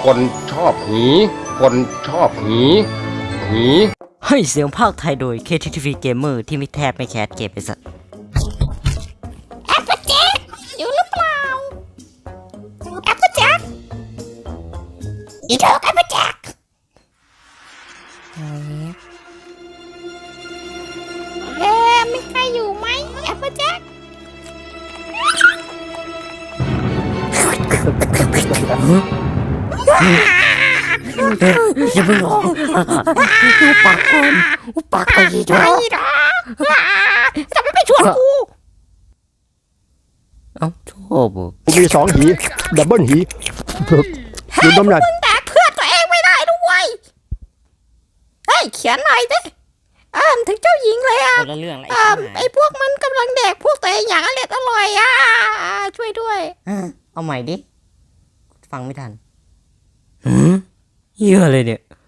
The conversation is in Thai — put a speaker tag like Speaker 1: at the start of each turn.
Speaker 1: คนชอบหี คนชอบหี หี
Speaker 2: ให้เสียงภาคไทยโดย KTTV Gamer ที่ไม่แทบไม่แคสเกมไปสัตว์
Speaker 3: แอปเปิลแจ็คอยู่หรือเปล่าแอปเปิลแจ็คอีเธอแอปเปิลแจ็คมีใครอยู่ไหมแอปเปิลแจ็ค
Speaker 2: อย่าเพิ่งร้องปากก่อนปากก่อนอีกแล้ว
Speaker 3: ไม่หรอกทำไมไม่ชวนกู
Speaker 2: เอ้าชอบอ่ะ
Speaker 4: มีสองหีดับเบิลหีดูน้ำหนัก
Speaker 3: มึงแดกเพื่อนตัวเองไม่ได้ด้วยเฮ้ยเขียนหน่อยดิถึงเจ้าหญิงเลยอ่ะ
Speaker 2: คนละเรื่องอะไร
Speaker 3: ไอ้พวกมันกำลังแดกพวกตัวเองอย่างอร่อยอ่ะช่วยด้วย
Speaker 2: เอาใหม่ดิฟังไม่ทันเยอะเลยเนี่ย